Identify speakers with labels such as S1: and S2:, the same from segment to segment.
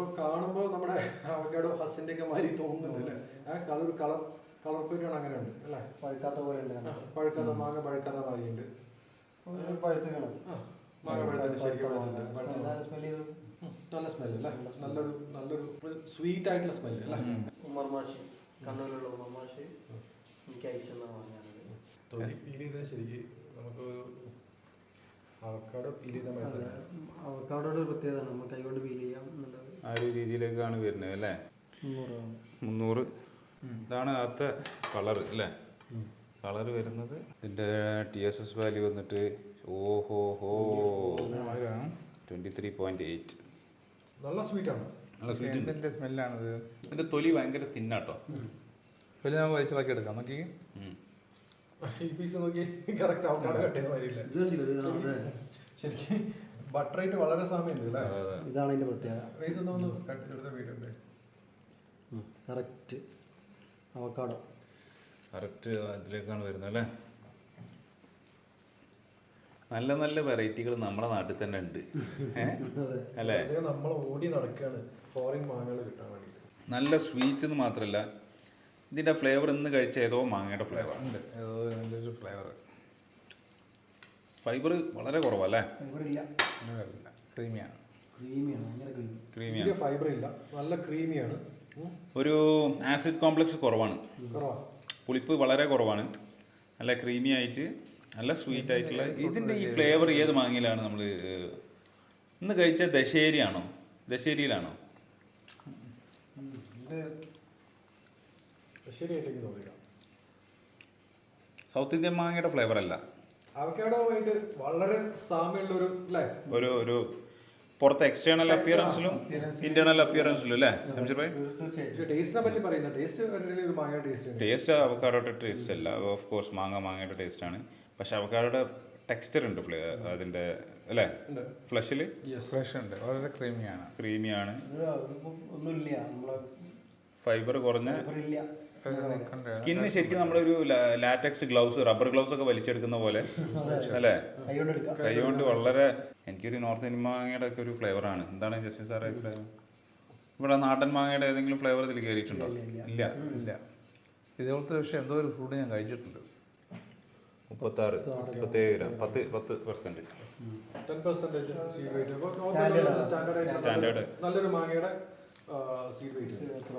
S1: ഇതിപ്പോ കാണുമ്പോ നമ്മുടെ അവക്കാഡോ ഹസിന്റെ ഒക്കെ മാതിരി തോന്നുന്നുണ്ട് അല്ലേ? കളർ പേരാണ് അങ്ങനെ ഉണ്ട് അല്ലേ?
S2: പഴുക്കാത്ത പോലെ
S1: പഴുക്കാത്ത മാങ്ങ പഴുക്കാത്ത മാതിരി ഉണ്ട്. മാങ്ങ പഴുത്തുണ്ട്, ശരിക്കും നല്ല സ്മെല്ല് അല്ലേ? നല്ലൊരു സ്വീറ്റ് ആയിട്ടുള്ള സ്മെല്ല് അല്ലേ?
S2: ഉമ്മർമാഷി, കണ്ണൂരിലുള്ള ഉമ്മർമാഷി എനിക്ക് അയച്ചെന്ന മാങ്ങയാണ്.
S1: തൊലി പീൽ ചെയ്താൽ ശരിക്കും നമുക്കൊരു അവക്കാഡോ പീൽ ചെയ്താൽ
S2: അവക്കാഡോയുടെ ഒരു പ്രത്യേകത നമുക്ക് കൈകൊണ്ട് പീൽ ചെയ്യാം എന്നുള്ളത്.
S3: ആ ഒരു രീതിയിലേക്കാണ് വരുന്നത് അല്ലേ? 300. ഇതാണ് അകത്തെ കളർ അല്ലേ? കളർ വരുന്നത്. ഇതിൻ്റെ TSS വാല്യൂ വന്നിട്ട് 23.8.
S1: നല്ല സ്വീറ്റാണ്.
S3: നല്ല സ്വീറ്റ്. ഇതിൻ്റെ സ്മെല്ലാണിത്. ഇതിൻ്റെ തൊലി ഭയങ്കര തിന്നാട്ടോ.
S4: തൊലി നമുക്ക് വലിച്ചിളക്കി എടുക്കാം. നോക്കി
S1: ഈ പീസ് നോക്കി കറക്റ്റ് അവക്കാഡോ കട്ട് ചെയ്ത മാതിരിയില്ല ശരിക്കും. ബട്ടർ റേറ്റ് വളരെ സാമ്യമുണ്ട് അല്ലേ?
S2: ഇതാണ് അതിൻ്റെ പ്രത്യേകത.
S1: റൈസ് ഒന്ന് കട്ട് ചെയ്തെടുത്ത വീടുണ്ട്.
S2: കറക്റ്റ് അവക്കാഡോ
S3: കറക്റ്റ് അതിലേക്കാണ് വരുന്നത് അല്ലേ? നല്ല നല്ല വെറൈറ്റികൾ നമ്മുടെ നാട്ടിൽ തന്നെ ഉണ്ട് അല്ലേ?
S1: നമ്മൾ ഓടി നടക്കുകയാണ് ഫോറിൻ മാങ്ങകൾ കിട്ടാൻ വേണ്ടിയിട്ട്.
S3: നല്ല സ്വീറ്റ് എന്ന് മാത്രമല്ല, ഇതിൻ്റെ ഫ്ലേവർ ഇന്ന് കഴിച്ച ഏതോ മാങ്ങയുടെ ഫ്ലേവർ
S4: ഉണ്ട്. ഏതോ നല്ലൊരു ഫ്ലേവർ.
S3: ഫൈബർ വളരെ കുറവല്ലേ?
S4: ക്രീമിയാണ്.
S3: ക്രീമിയാണ്.
S1: ഫൈബർ ഇല്ല, നല്ല ക്രീമിയാണ്.
S3: ഒരു ആസിഡ് കോംപ്ലക്സ് കുറവാണ്, പുളിപ്പ് വളരെ കുറവാണ്. നല്ല ക്രീമി ആയിട്ട് നല്ല സ്വീറ്റ് ആയിട്ടുള്ള ഇതിൻ്റെ ഈ ഫ്ലേവർ ഏത് മാങ്ങയിലാണ് നമ്മൾ ഇന്ന് കഴിച്ച? ദശേരിയാണോ? ദശേരിയിലാണോ?
S1: ശരിയായിട്ടേക്ക് തോന്നില്ല.
S3: സൗത്ത് ഇന്ത്യൻ മാങ്ങയുടെ ഫ്ലേവർ അല്ല.
S1: അവക്കാഡോയായിട്ട് വളരെ സാമ്യമുള്ള
S3: ഒരു പുറത്തെ എക്സ്റ്റേണൽ അപ്പിയറൻസിലും ഇന്റേണൽ അപ്പിയറൻസിലും അല്ലേ അംഷർ ഭായ്?
S1: ടേസ്റ്റിനെ പറ്റി പറയുന്നത്
S3: ടേസ്റ്റ് അവക്കാഡോയുടെ ടേസ്റ്റ് അല്ല. ഓഫ് കോഴ്സ് മാങ്ങയുടെ ടേസ്റ്റ് ആണ്. പക്ഷെ അവക്കാഡോയുടെ ടെക്സ്ചർ ഉണ്ട് അതിന്റെ അല്ലേ? ഫ്ലഷിൽ
S4: ഫ്ലഷ് ഉണ്ട്. വളരെ ക്രീമിയാണ്.
S2: ഒന്നുമില്ല,
S3: ഫൈബർ കുറഞ്ഞ സ്കിന്ന്. ശരിക്കും നമ്മളൊരു ലാറ്റക്സ് ഗ്ലൗസ്, റബ്ബർ ഗ്ലൗസ് ഒക്കെ വലിച്ചെടുക്കുന്ന പോലെ അല്ലേ? കൈകൊണ്ട് വളരെ. എനിക്കൊരു നോർത്ത് ഇന്ത്യൻ മാങ്ങയുടെ ഒക്കെ ഒരു ഫ്ലേവർ ആണ്. എന്താണ് ജസ്റ്റിൻ സാറേ ഫ്ലേവർ? ഇവിടെ നാടൻ മാങ്ങയുടെ ഏതെങ്കിലും ഫ്ലേവർ ഇതിൽ കയറിയിട്ടുണ്ടോ? ഇല്ല.
S4: ഇതുപോലത്തെ പക്ഷേ എന്തോ ഒരു ഫുഡ് ഞാൻ കഴിച്ചിട്ടുണ്ട്.
S3: 36, 37 ഗ്രാം, 10%. സ്റ്റാൻഡേർഡ്
S1: നല്ലൊരു മാങ്ങയുടെ സീഡ് വെയിറ്റ്.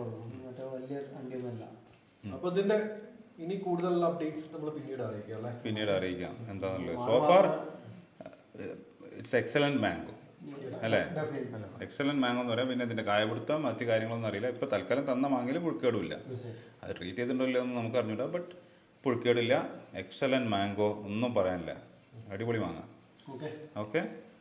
S1: അപ്പൊ ഇതിന്റെ ഇനി കൂടുതലുള്ള അപ്ഡേറ്റ്സ് നമ്മൾ പിന്നീട് അറിയിക്കാം എന്താണെന്നുള്ളത്. സോഫാർ ഇറ്റ്സ് എക്സലന്റ് മാംഗോ അല്ലേ? എക്സലന്റ് മാംഗോ എന്ന് പറയാം. പിന്നെ ഇതിന്റെ കായപിടുത്തം മറ്റു കാര്യങ്ങളൊന്നും അറിയില്ല. ഇപ്പൊ തൽക്കാലം തന്ന മാങ്ങയിൽ പുഴുക്കേടില്ല. അത് ട്രീറ്റ് ചെയ്തിട്ടുണ്ടല്ലോ എന്ന് നമുക്ക് അറിഞ്ഞൂടാ. ബട്ട് പുഴുക്കേടില്ല. എക്സലന്റ് മാംഗോ, ഒന്നും പറയാനില്ല. അടിപൊളി മാങ്ങ. ഓക്കെ.